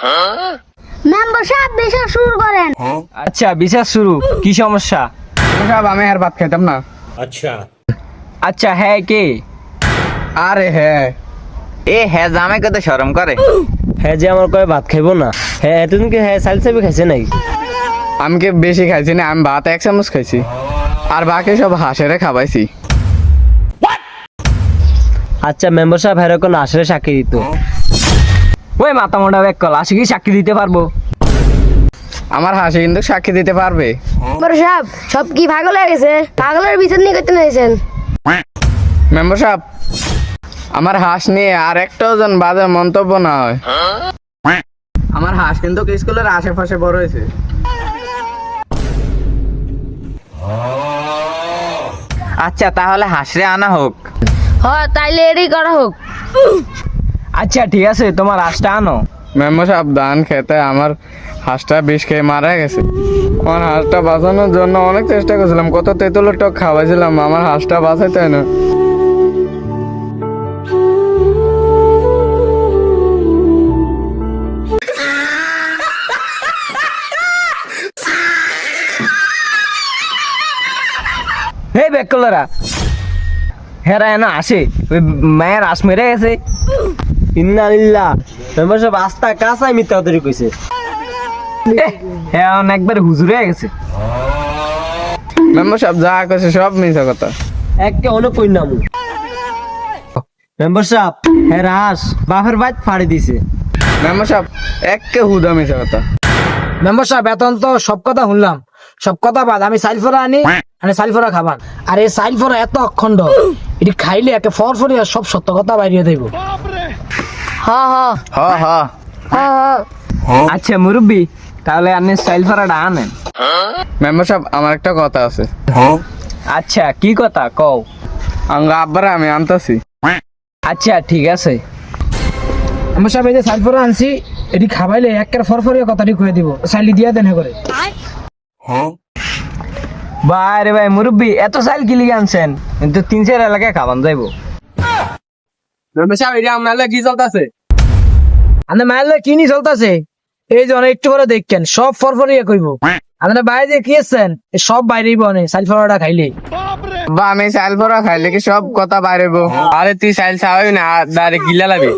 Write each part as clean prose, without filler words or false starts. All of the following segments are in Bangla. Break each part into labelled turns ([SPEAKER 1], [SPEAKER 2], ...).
[SPEAKER 1] মেম্বার সাহেব বিচার শুরু করেন।
[SPEAKER 2] আচ্ছা বিচার শুরু। কি সমস্যা?
[SPEAKER 3] সাহেব আমি আর ভাত খাইতাম না।
[SPEAKER 2] আচ্ছা হ্যাঁ কে?
[SPEAKER 3] আরে হ্যাঁ
[SPEAKER 4] হ্যাঁ জামাই কত শরম করে।
[SPEAKER 2] হ্যাঁ যে আমার কয়ে ভাত খাইবো না। হ্যাঁ এতদিন কি হ্যাঁ চাল চাবি খাইছে নাই?
[SPEAKER 3] আমি কি বেশি খাইছি না, আমি ভাত 1 চামচ খাইছি আর বাকি সব হাঁসেরে খাওয়াইছি।
[SPEAKER 2] আচ্ছা মেম্বার সাহেব হ্যাঁ কোন আসলে সাক্ষী দিত? ওই মাথা মোটা ব্যাক কল আসে কি সাক্ষী দিতে পারবো?
[SPEAKER 3] আমার হাসি কিন্তু সাক্ষী দিতে পারবে।
[SPEAKER 1] মেম্বার সাহেব সব কি পাগল হয়ে গেছে? পাগলের বিচার নিয়ে করতে নিয়েছেন।
[SPEAKER 3] মেম্বার সাহেব আমার হাঁস নিয়ে আর একটাও যেন বাজে মন্তব্য না হয়। আমার হাঁস কিন্তু স্কুলের আশেপাশে বড় হয়েছে।
[SPEAKER 4] আচ্ছা তাহলে হাসরে আনা হোক।
[SPEAKER 1] হ্যাঁ তাইলে এরই করা হোক।
[SPEAKER 2] আচ্ছা ঠিক আছে তোমার আশটা আনো।
[SPEAKER 3] মেম্বার সাহেব ধান খেতে আমার হাঁসটা বিষ খেয়ে মারা গেছে। আমার হাঁসটা বাঁচানোর জন্য অনেক চেষ্টা করছিলাম, কত তেঁতুলের টক খাওয়াইছিলাম, আমার হাঁসটা বাঁচাইতে হয় না।
[SPEAKER 2] হে ব্যাক কলরা হেরা এনে আসে ওই মায়ের আশ মেরে গেছে। ইন্নালিল্লাহ মেম্বার সাহেব আস্তা কাঁচাই মিথ্যা তৈরি কইছে। হ্যাঁ একবার হুজুরে গেছে।
[SPEAKER 3] মেম্বার সাহেব যা কইছে সব মিথ্যা কথা।
[SPEAKER 2] একে অনেক কইনাম মেম্বার সাহেব হ্যাঁ রাস বাপের বাইত ফাড়ি দিছে।
[SPEAKER 3] মেম্বার সাহেব একে হুদা মিথ্যা কথা।
[SPEAKER 5] মেম্বার সাহেব এখন তো সব কথা শুনলাম, সব কথা বাদ আমি সাইলফরা আনি মানে সাইলফরা খাবার। আর এই সাইলফরা এত অখণ্ড, এটি খাইলে একে ফরফরিয়া সব সত্য কথা বাইরিয়ে দেব।
[SPEAKER 1] হ্যাঁ হ্যাঁ
[SPEAKER 3] হ হ
[SPEAKER 1] হ্যাঁ হ্যাঁ
[SPEAKER 2] আচ্ছা মুরব্বি তাহলে আপনি স্টাইল ফাড়াটা আনেন।
[SPEAKER 3] মেম্বার সাহেব আমার একটা কথা আছে।
[SPEAKER 2] আচ্ছা কি কথা কও?
[SPEAKER 3] আঙ্গা আব্বারে আমি আনতাছি।
[SPEAKER 2] আচ্ছা ঠিক আছে।
[SPEAKER 5] মেম্বার সাহেব এই যে সাইলফরা আনছি, এটি খাবাইলে একের ফরফরিয়া কথাটি কয়ে দিব, সাইলি দিয়া দেন করে।
[SPEAKER 2] ভাই রে ভাই মুরব্বি এত সাইল কি লিগে আনছেন? কিন্তু 3-4 এলাকায় খাবান যাইবো।
[SPEAKER 3] মেম্বার সাহেব এটা আপনার কি চলতেছে?
[SPEAKER 5] আন্দে মাইলে কিনি চলতেছে, এই যে অনেক একটু করে দেখেন সব ফরফরিয়া কইব। আপনার বাইরে যে কি আছেন সব বাইরেই বনে সাইলফরাটা খাইলে।
[SPEAKER 3] বা আমি চাইল ভরা খাইলে কি সব কথা বাইরেব? আরে তুই চাইল খাওয়াই না, দাঁড়ে গিলা লাগবে।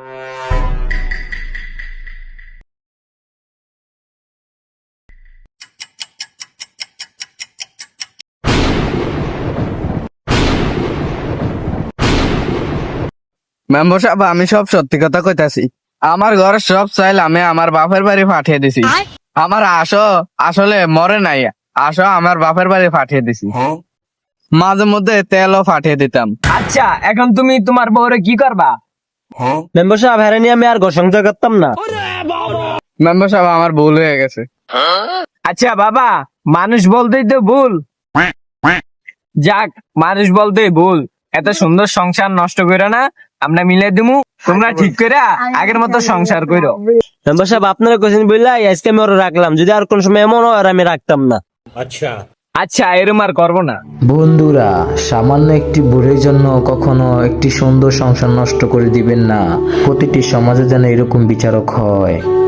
[SPEAKER 3] মেম্বার সাহেব আমি সব সত্যি কথা কইতাছি। আমার ঘরের সব চাইল আমি আমার বাপের বাড়ি পাঠিয়ে দিছি। আমার আসলে মরে নাই, আমার বাপের বাড়ি পাঠিয়ে দিছি। মাঝে মধ্যে তেলও পাঠিয়ে দিতাম।
[SPEAKER 2] আচ্ছা এখন তুমি তোমার বউরে কি করবা? মেম্বার সাহেব হ্যাঁ নিয়ে আমি আর ঘর সংসার করতাম না।
[SPEAKER 3] মেম্বার সাহেব আমার ভুল হয়ে গেছে।
[SPEAKER 2] আচ্ছা বাবা মানুষ বলতেই তো ভুল। যাক মানুষ বলতেই ভুল, এত সুন্দর সংসার নষ্ট করো না, আমরা মিলে দিমু, তোমরা ঠিক করে আগের মতো সংসার করো। মেম্বার সাহেব আপনারা কোশ্চেন বললাই আজকে আমি ওরা রাখলাম, যদি আর কোন সময় এমন হয় আর আমি রাখতাম না। আচ্ছা এরম আর করবো না।
[SPEAKER 6] বন্ধুরা, সামান্য একটি ভুলের জন্য কখনো একটি সুন্দর সংসার নষ্ট করে দিবেন না। প্রতিটি সমাজে যেন এরকম বিচারক হয়।